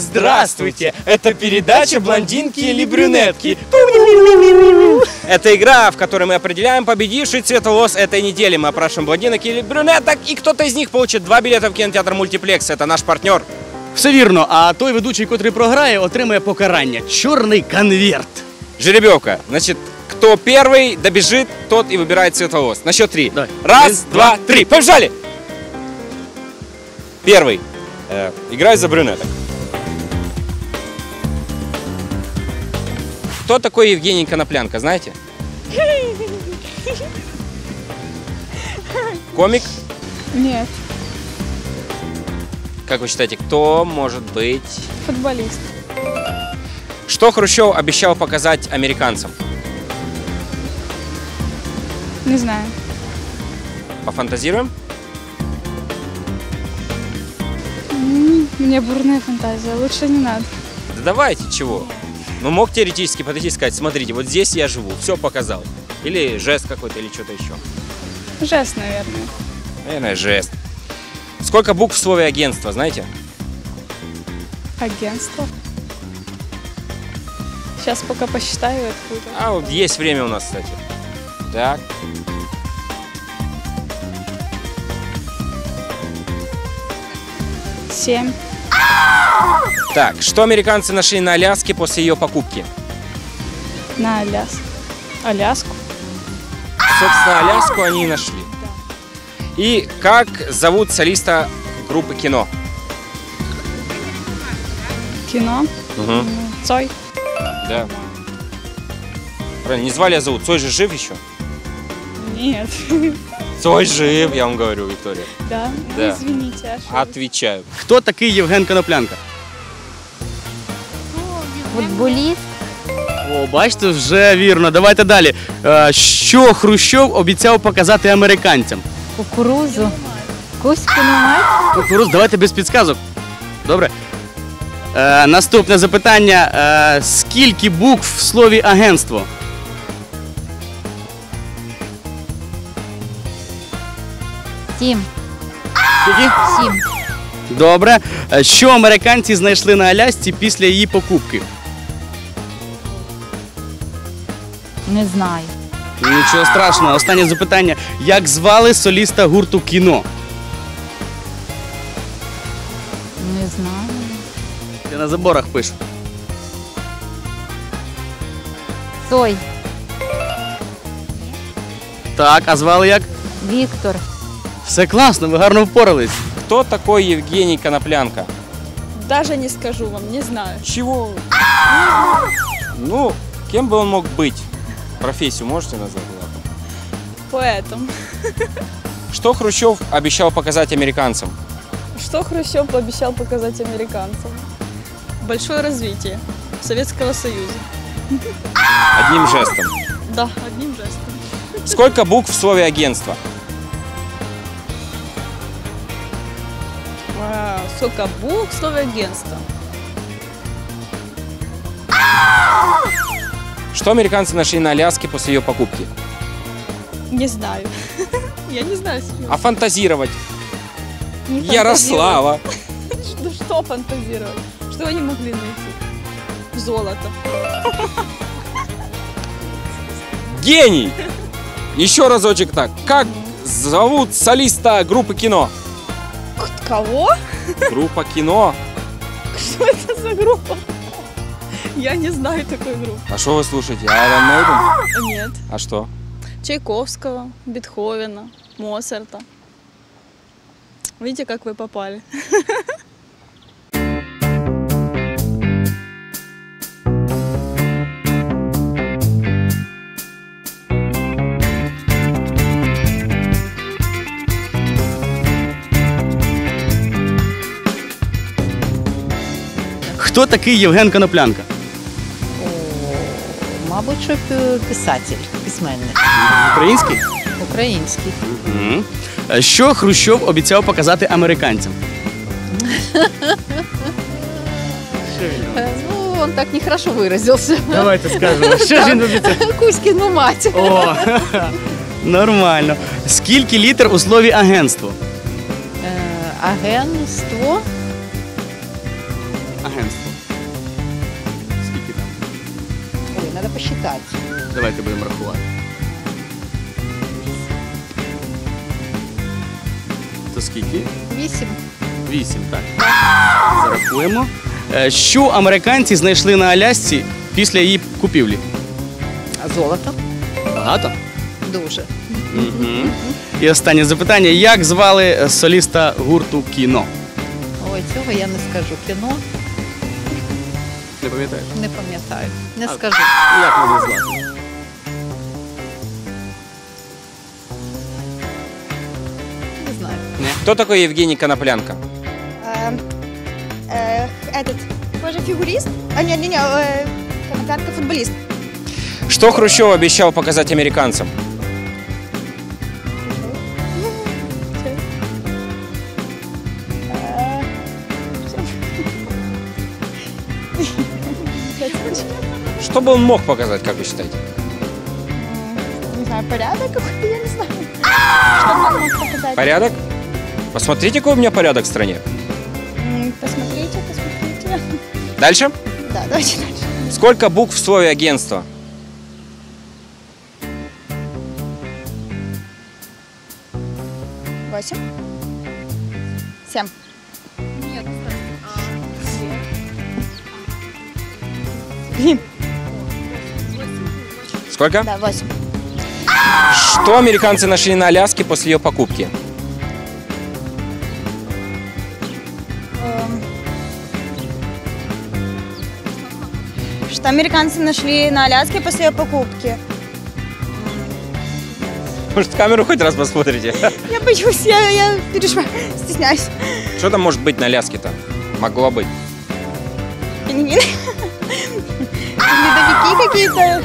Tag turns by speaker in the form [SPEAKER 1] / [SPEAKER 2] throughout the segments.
[SPEAKER 1] Здравствуйте! Это передача «Блондинки или брюнетки». Это игра, в которой мы определяем победивший цвет волос этой недели. Мы опрашиваем блондинок или брюнеток, и кто-то из них получит 2 билета в кинотеатр «Мультиплекс». Это наш партнер.
[SPEAKER 2] Все вірно, а той ведучий, котрий програє, отримає покарання. Чорний конверт.
[SPEAKER 1] Жеребьевка. Значит, кто первый добежит, тот и выбирает цвет волос. На счет 3.
[SPEAKER 2] Давай.
[SPEAKER 1] Раз, два, три. Побежали! Первый. Играю за брюнеток. Кто такой Евгений Коноплянка, знаете? Комик?
[SPEAKER 3] Нет.
[SPEAKER 1] Как вы считаете, кто может быть?
[SPEAKER 3] Футболист.
[SPEAKER 1] Что Хрущев обещал показать американцам?
[SPEAKER 3] Не знаю.
[SPEAKER 1] Пофантазируем?
[SPEAKER 3] У меня бурная фантазия, лучше не надо.
[SPEAKER 1] Да давайте, чего? Ну, мог теоретически подойти и сказать, смотрите, вот здесь я живу, все показал. Или жест какой-то, или что-то еще.
[SPEAKER 3] Жест, наверное.
[SPEAKER 1] Наверное, жест. Сколько букв в слове агентство, знаете?
[SPEAKER 3] Агентство. Сейчас пока посчитаю откуда.
[SPEAKER 1] А вот есть время у нас, кстати. Так.
[SPEAKER 3] Семь.
[SPEAKER 1] Так, что американцы нашли на Аляске после ее покупки?
[SPEAKER 3] На Аляску.
[SPEAKER 1] Собственно, Аляску они и нашли. И как зовут солиста группы «Кино»?
[SPEAKER 3] Кино.
[SPEAKER 1] Угу.
[SPEAKER 3] Цой.
[SPEAKER 1] Да. Правильно, не звали, а зовут. Цой же жив еще?
[SPEAKER 3] Нет.
[SPEAKER 1] Цой жив, я вам говорю, Виктория.
[SPEAKER 3] Да?
[SPEAKER 1] Да.
[SPEAKER 3] Ну, извините, ошиблась.
[SPEAKER 1] Отвечаю.
[SPEAKER 2] Хто такий Євген Коноплянка?
[SPEAKER 4] Футболіст.
[SPEAKER 2] О, бачите, вже вірно. Давайте далі. Що Хрущов обіцяв показати американцям?
[SPEAKER 4] Кукурузу. Кузьку немає?
[SPEAKER 2] Кукуруз, давайте без підсказок. Добре. Наступне запитання. Скільки букв в слові агентство?
[SPEAKER 4] Сім.
[SPEAKER 2] Скільки?
[SPEAKER 4] 7.
[SPEAKER 2] Добре. Що американці знайшли на Алясці після її покупки?
[SPEAKER 4] Не знаю.
[SPEAKER 2] Нічого страшного. Останнє запитання. Як звали соліста гурту «Кіно»?
[SPEAKER 4] Не знаю.
[SPEAKER 2] Я на заборах пишу.
[SPEAKER 4] Цой.
[SPEAKER 2] Так, а звали як?
[SPEAKER 4] Віктор.
[SPEAKER 2] Все класно, ви гарно впорались.
[SPEAKER 1] Кто такой Евгений Коноплянка?
[SPEAKER 3] Даже не скажу вам, не знаю.
[SPEAKER 1] Чего? Ну, кем бы он мог быть? Профессию можете назвать?
[SPEAKER 3] Поэтому.
[SPEAKER 1] Что Хрущев обещал показать американцам?
[SPEAKER 3] Что Хрущев пообещал показать американцам? Большое развитие Советского Союза.
[SPEAKER 1] Одним жестом.
[SPEAKER 3] Да, одним жестом.
[SPEAKER 1] Сколько букв в слове агентство?
[SPEAKER 3] Сколько букв в слове агентство?
[SPEAKER 1] Что американцы нашли на Аляске после ее покупки?
[SPEAKER 3] Не знаю. Я не знаю. серьезно.
[SPEAKER 1] А фантазировать?
[SPEAKER 3] Не
[SPEAKER 1] Ярослава.
[SPEAKER 3] фантазировать. Ну что фантазировать? Что они могли найти? Золото.
[SPEAKER 1] Гений! Еще разочек так. Как зовут солиста группы «Кино»?
[SPEAKER 3] Кого?
[SPEAKER 1] Группа «Кино».
[SPEAKER 3] Что это за группа? Я не знаю такой группы.
[SPEAKER 1] А что вы слушаете? Iron Maiden?
[SPEAKER 3] Нет.
[SPEAKER 1] А что?
[SPEAKER 3] Чайковского, Бетховена, Моцарта. Видите, как вы попали?
[SPEAKER 2] Хто такий Євген Коноплянка?
[SPEAKER 4] Мабуть, що писатель, письменник.
[SPEAKER 2] Український?
[SPEAKER 4] Український.
[SPEAKER 2] Угу. Що Хрущов обіцяв показати американцям?
[SPEAKER 4] Ну, он так нехорошо выразился.
[SPEAKER 2] Давайте скажемо. Що ж він обіцяв?
[SPEAKER 4] Кузькину мать.
[SPEAKER 2] О, нормально. Скільки літер у слові агентство?
[SPEAKER 4] Агентство.
[SPEAKER 2] агентство. Скільки там?
[SPEAKER 4] Ой, надо посчитать.
[SPEAKER 2] Давайте будемо рахувати. То скільки?
[SPEAKER 4] 8.
[SPEAKER 2] 8, так. Зарахуємо. Що американці знайшли на Алясці після її купівлі?
[SPEAKER 4] А золото?
[SPEAKER 2] Багато.
[SPEAKER 4] Дуже.
[SPEAKER 2] Угу. І останнє запитання. Як звали соліста гурту «Кіно»?
[SPEAKER 4] Ой, цього я не скажу. Кіно
[SPEAKER 2] Не пам'ятаєш?
[SPEAKER 4] не пам'ятаю. Не скажу.
[SPEAKER 2] Як можна звати?
[SPEAKER 4] Не знаю.
[SPEAKER 1] Кто такой Евгений Коноплянка?
[SPEAKER 5] Этот, тоже фигурист? А, не-не-не, Коноплянка футболист.
[SPEAKER 1] Что Хрущев обещал показать американцам? Что бы он мог показать, как вы считаете?
[SPEAKER 5] Не знаю, порядок какой-то, я не знаю. Что он мог показать?
[SPEAKER 1] Порядок? Посмотрите, какой у меня порядок в стране.
[SPEAKER 5] Посмотрите, посмотрите.
[SPEAKER 1] Дальше.
[SPEAKER 5] Да, давайте дальше.
[SPEAKER 1] Сколько букв в слове агентство?
[SPEAKER 5] 8. 7.
[SPEAKER 1] Сколько?
[SPEAKER 5] Да, 8.
[SPEAKER 1] Что американцы нашли на Аляске после ее покупки?
[SPEAKER 5] Что американцы нашли на Аляске после ее покупки?
[SPEAKER 1] Может, в камеру хоть раз посмотрите?
[SPEAKER 5] Я боюсь, я переживаю, стесняюсь.
[SPEAKER 1] Что там может быть на Аляске-то? Могло быть.
[SPEAKER 5] Пингвины. Ледовики какие-то.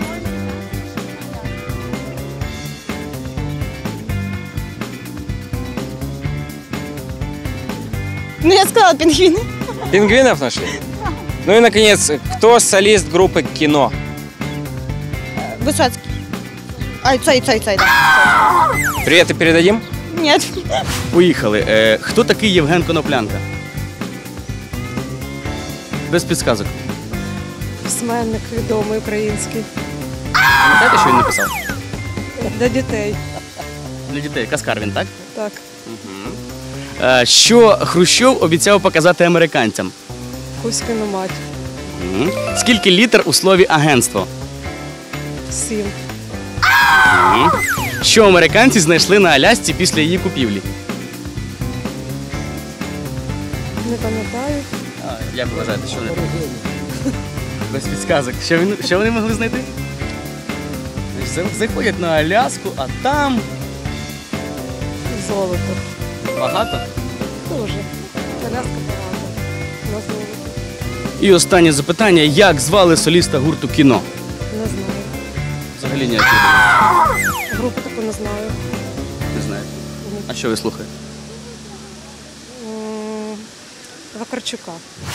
[SPEAKER 5] Ну, я сказала пингвины.
[SPEAKER 1] Пингвинов нашли? Ну и, наконец, кто солист группы «Кино»?
[SPEAKER 5] Высоцкий. Ай, Цой, да.
[SPEAKER 1] Привет и передадим?
[SPEAKER 5] Нет.
[SPEAKER 2] Поїхали. Хто такий Євген Коноплянка? Без підсказок.
[SPEAKER 6] Письменник відомий український.
[SPEAKER 2] Пам'ятаєте, що він написав?
[SPEAKER 6] Для дітей.
[SPEAKER 2] Для дітей. Каскар він, так?
[SPEAKER 6] Так.
[SPEAKER 2] Що Хрущов обіцяв показати американцям?
[SPEAKER 6] Кузькину мать.
[SPEAKER 2] Скільки літер у слові агентство?
[SPEAKER 6] 7.
[SPEAKER 2] Що американці знайшли на Алясці після її купівлі?
[SPEAKER 6] Не пам'ятаю.
[SPEAKER 2] Як вважаєте, що вони? Без підсказок. Що вони могли знайти? Заходять на Аляску, а там
[SPEAKER 6] Золото.
[SPEAKER 2] багато.
[SPEAKER 6] Дуже. Коляска багато. На золото.
[SPEAKER 2] І останнє запитання. Як звали соліста гурту «Кіно»?
[SPEAKER 6] Не знаю.
[SPEAKER 2] Взагалі ніякої думки.
[SPEAKER 6] Групу таку не знаю.
[SPEAKER 2] Не знаю. А що ви слухаєте?
[SPEAKER 6] Вакарчука.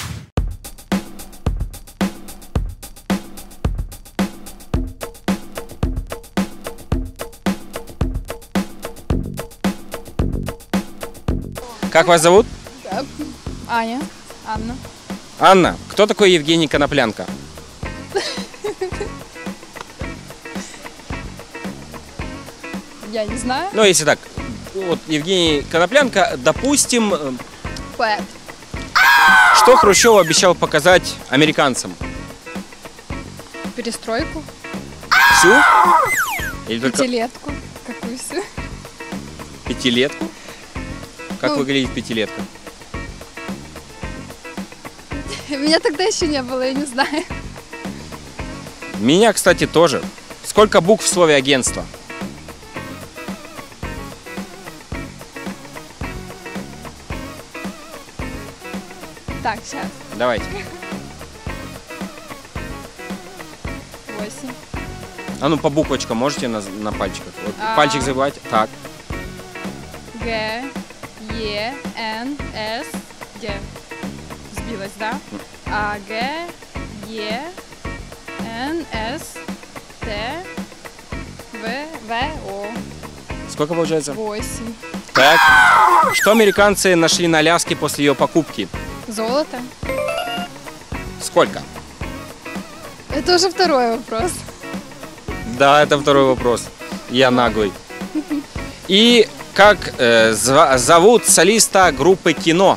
[SPEAKER 1] Как вас зовут?
[SPEAKER 3] Аня. Анна.
[SPEAKER 1] Анна. Кто такой Евгений Коноплянка?
[SPEAKER 3] Я не знаю.
[SPEAKER 1] Ну, если так, вот Евгений Коноплянка, допустим,
[SPEAKER 3] Поэт.
[SPEAKER 1] что Хрущев обещал показать американцам?
[SPEAKER 3] Перестройку.
[SPEAKER 1] Всю? Или только
[SPEAKER 3] Пятилетку. Какую всю?
[SPEAKER 1] пятилетку? Как
[SPEAKER 3] Ну.
[SPEAKER 1] выглядит пятилетка?
[SPEAKER 3] Меня тогда еще не было, я не знаю.
[SPEAKER 1] Меня, кстати, тоже. Сколько букв в слове агентство?
[SPEAKER 3] Так, сейчас.
[SPEAKER 1] Давайте.
[SPEAKER 3] 8.
[SPEAKER 1] А ну по буквочкам можете на пальчиках? Вот,
[SPEAKER 3] А.
[SPEAKER 1] пальчик забивать. Так.
[SPEAKER 3] Г, Е, Н, С, Д. Сбилась, да? А, Г, Е, Н, С, Т, В, В, О.
[SPEAKER 1] Сколько получается?
[SPEAKER 3] 8.
[SPEAKER 1] Так. Что американцы нашли на Аляске после ее покупки?
[SPEAKER 3] Золото.
[SPEAKER 1] Сколько?
[SPEAKER 3] Это уже второй вопрос.
[SPEAKER 1] Да, это второй вопрос. Я наглый. И как зовут солиста группы «Кино»?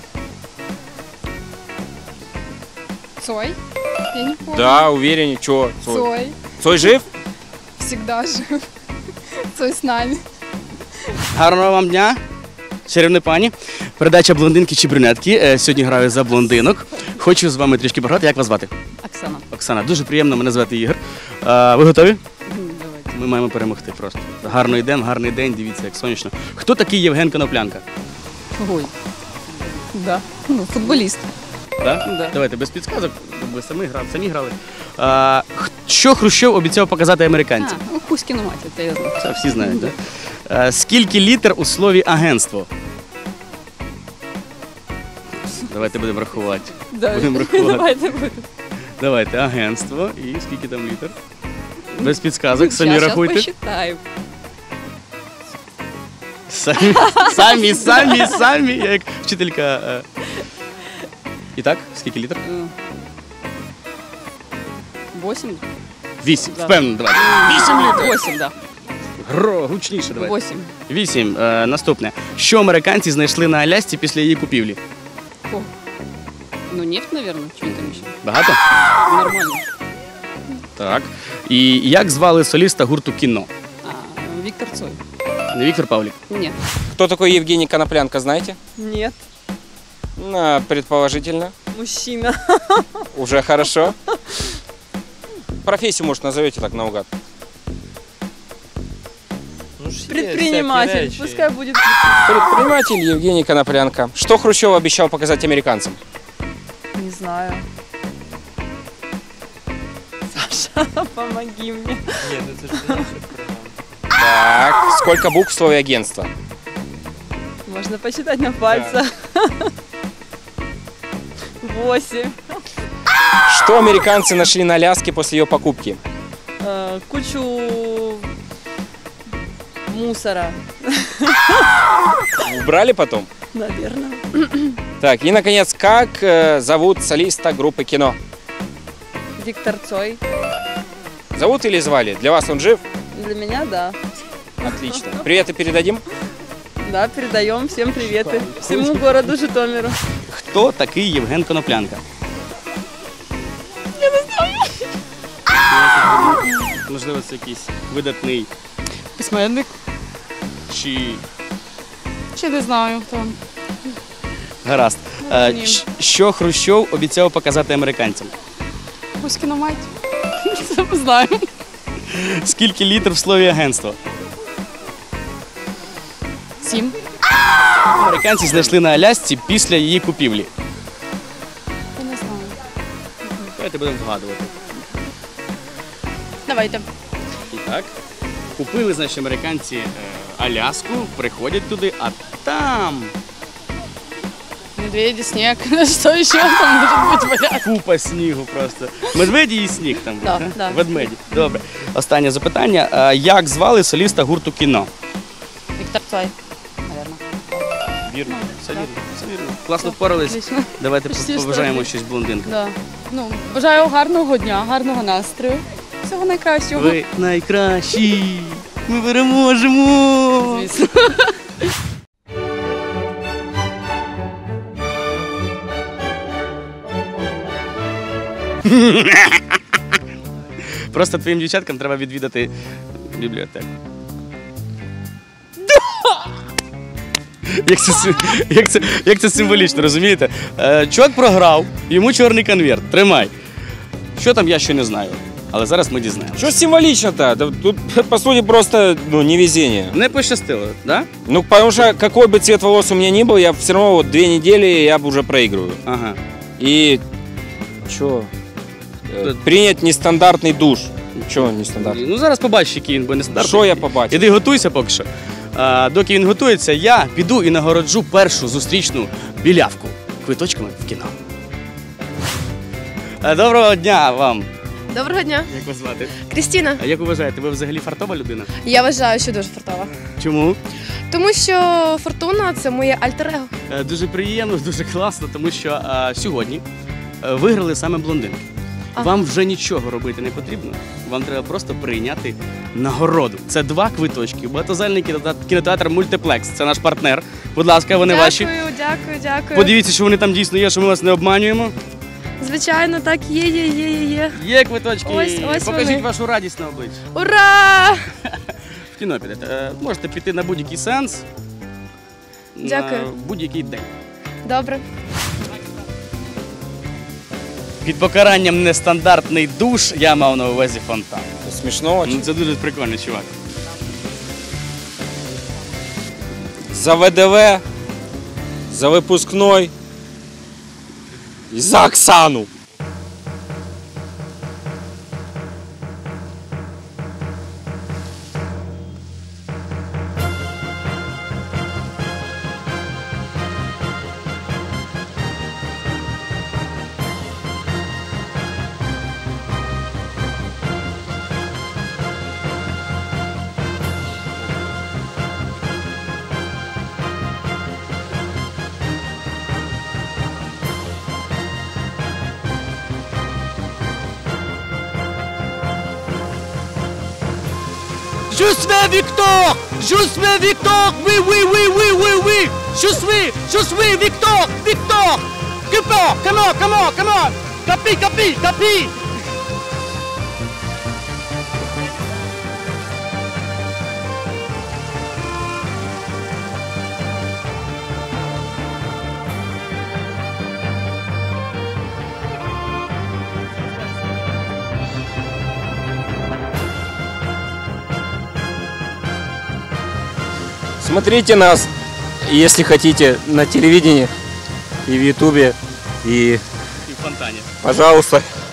[SPEAKER 3] Цой? Я не помню.
[SPEAKER 1] Да, уверен, чего?
[SPEAKER 3] Цой.
[SPEAKER 1] Цой жив?
[SPEAKER 3] Всегда жив. Цой с нами.
[SPEAKER 2] Гарного вам дня, чарівні пані. Передача «Блондинки чи брюнетки». Сьогодні граю за блондинок. Хочу з вами трішки пограти. Як вас звати?
[SPEAKER 4] Оксана.
[SPEAKER 2] Оксана. Дуже приємно, мене звати Ігор. Ви готові?
[SPEAKER 4] Давайте.
[SPEAKER 2] Ми маємо перемогти просто. Гарний день, дивіться, як сонячно. Хто такий Євген Коноплянка?
[SPEAKER 4] Ой. Да. Ну, футболіст.
[SPEAKER 2] Да?
[SPEAKER 4] Да.
[SPEAKER 2] Давайте без підсказок, ви самі грали. Що Хрущов обіцяв показати американцям?
[SPEAKER 4] Ну, Кузькіну мать, це я знаю.
[SPEAKER 2] Це всі знають, так? Да? Скільки літер у слові агентство? Давайте будемо рахувати. Будемо рахувати.
[SPEAKER 4] Давайте будемо.
[SPEAKER 2] Давайте, агентство. І скільки там літер? Без підсказок, самі рахуйте.
[SPEAKER 4] Посчитаємо.
[SPEAKER 2] Самі, я як вчителька. І так, скільки літер?
[SPEAKER 4] 8?
[SPEAKER 2] 8,
[SPEAKER 4] Да.
[SPEAKER 2] впевнено, давайте. 8 літрів.
[SPEAKER 4] 8, да.
[SPEAKER 2] Гучніше давайте.
[SPEAKER 4] 8.
[SPEAKER 2] 8. Наступне. Що американці знайшли на Алясці після її купівлі?
[SPEAKER 4] Ну, нефть, наверное, что там еще?
[SPEAKER 2] Багато?
[SPEAKER 4] Нормально.
[SPEAKER 2] Так. І як звали соліста гурту «Кіно»?
[SPEAKER 4] Виктор Цой.
[SPEAKER 2] Не Віктор Павлік?
[SPEAKER 4] Нет.
[SPEAKER 1] Кто такой Евгений Коноплянка, знаете?
[SPEAKER 6] Нет,
[SPEAKER 1] Предположительно.
[SPEAKER 6] мужчина.
[SPEAKER 1] Уже хорошо. Профессию, может, назовете так наугад.
[SPEAKER 6] Предприниматель. Пускай будет.
[SPEAKER 1] Предприниматель Евгений Коноплянка. Что Хрущев обещал показать американцам?
[SPEAKER 6] Не знаю. Саша, помоги мне.
[SPEAKER 1] Так, сколько букв в слове агентство?
[SPEAKER 6] Можно посчитать на пальцах. 8.
[SPEAKER 1] Что американцы нашли на Аляске после ее покупки?
[SPEAKER 6] Кучу мусора,
[SPEAKER 1] Убрали потом?
[SPEAKER 6] наверное.
[SPEAKER 1] Так, и, наконец, как зовут солиста группы «Кино»?
[SPEAKER 6] Виктор Цой.
[SPEAKER 1] Зовут или звали? Для вас он жив?
[SPEAKER 6] Для меня, да.
[SPEAKER 1] Отлично. Приветы передадим?
[SPEAKER 6] Да, передаем всем приветы. Всему городу Житомиру.
[SPEAKER 2] Хто такий Євген Коноплянка? Я не знаю. Можливо, це якийсь видатний
[SPEAKER 3] Письменник.
[SPEAKER 2] чи...
[SPEAKER 3] Ще не знаю, хто.
[SPEAKER 2] Гаразд. Що Хрущов обіцяв показати американцям?
[SPEAKER 3] Кузькіну мать. Це ми знаємо.
[SPEAKER 2] Скільки літр в слові агентство?
[SPEAKER 3] 7.
[SPEAKER 2] Американці знайшли на Алясці після її купівлі.
[SPEAKER 3] Я не знаю.
[SPEAKER 2] Давайте будемо вгадувати.
[SPEAKER 3] Давайте.
[SPEAKER 2] І так. Купили, значить, американці Аляску, приходять туди, а там
[SPEAKER 3] Медведі, сніг. Що ще там може бути валяти?
[SPEAKER 2] купа снігу просто. Медведі і сніг там.
[SPEAKER 3] Да,
[SPEAKER 2] був,
[SPEAKER 3] да.
[SPEAKER 2] Ведмеді. Добре. Останнє запитання. Як звали соліста гурту «Кіно»?
[SPEAKER 3] Віктор Цой, наверное.
[SPEAKER 2] Вірно. Все вірно. Все вірно. Класно впорались.
[SPEAKER 3] Отлично.
[SPEAKER 2] Давайте
[SPEAKER 3] Почти
[SPEAKER 2] побажаємо
[SPEAKER 3] що.
[SPEAKER 2] щось блондинкам.
[SPEAKER 3] Да. Ну, бажаю гарного дня, гарного настрою. Всього найкращого.
[SPEAKER 2] Ви найкращі! Ми переможемо!
[SPEAKER 3] Звісно.
[SPEAKER 2] Просто твоїм дівчаткам треба відвідати бібліотеку. Як це символічно, розумієте? Чувак програв, йому чорний конверт. Тримай. Що там, я ще не знаю. Але зараз ми дізнаємося.
[SPEAKER 1] Что символично-то? Да тут, по сути, просто невезение.
[SPEAKER 2] Не пощастило, да?
[SPEAKER 1] Ну, потому что какой бы цвет волос у меня ни был, я все равно вот 2 недели я уже проигрываю.
[SPEAKER 2] Ага.
[SPEAKER 1] И что? Принять нестандартный душ. Чего нестандартный?
[SPEAKER 2] Ну зараз побачиш, який він буде нестандартний.
[SPEAKER 1] Що я побачив?
[SPEAKER 2] Іди готуйся поки що. Доки він готується, я піду і нагороджу першу зустрічну білявку квиточками в кіно. Доброго дня вам!
[SPEAKER 7] Доброго дня,
[SPEAKER 2] Як вас звати?
[SPEAKER 7] Крістіна.
[SPEAKER 2] А як ви вважаєте, ви взагалі фартова людина?
[SPEAKER 7] Я вважаю, що дуже фартова.
[SPEAKER 2] Чому?
[SPEAKER 7] Тому що фортуна це моє альтер-его.
[SPEAKER 2] Дуже приємно, дуже класно, тому що сьогодні виграли саме блондинки. Вам вже нічого робити не потрібно. Вам треба просто прийняти нагороду. Це 2 квиточки. Багатозальний кінотеатр Мультиплекс. Це наш партнер. Будь ласка, вони ваші.
[SPEAKER 3] Дякую.
[SPEAKER 2] Подивіться, що вони там дійсно є, що ми вас не обманюємо.
[SPEAKER 3] Звичайно, так, є.
[SPEAKER 2] Є квиточки.
[SPEAKER 3] Ось
[SPEAKER 2] Покажіть
[SPEAKER 3] вони.
[SPEAKER 2] вашу радість на обличчі.
[SPEAKER 3] Ура!
[SPEAKER 2] В кіно підете. Можете піти на будь-який сеанс.
[SPEAKER 3] Дякую.
[SPEAKER 2] На будь-який день.
[SPEAKER 3] Добре.
[SPEAKER 2] Під покаранням нестандартний душ я мав на увазі фонтан.
[SPEAKER 1] Смешно очень.
[SPEAKER 2] Ну, це дуже прикольний чувак.
[SPEAKER 1] За ВДВ, за выпускной и за Оксану.
[SPEAKER 2] Je suis Victor! Je suis Victor! Oui! Je suis Victor! Victor! Come on! Capi!
[SPEAKER 1] Смотрите нас, если хотите, на телевидении и в Ютубе. И,
[SPEAKER 2] І в фонтані.
[SPEAKER 1] пожалуйста,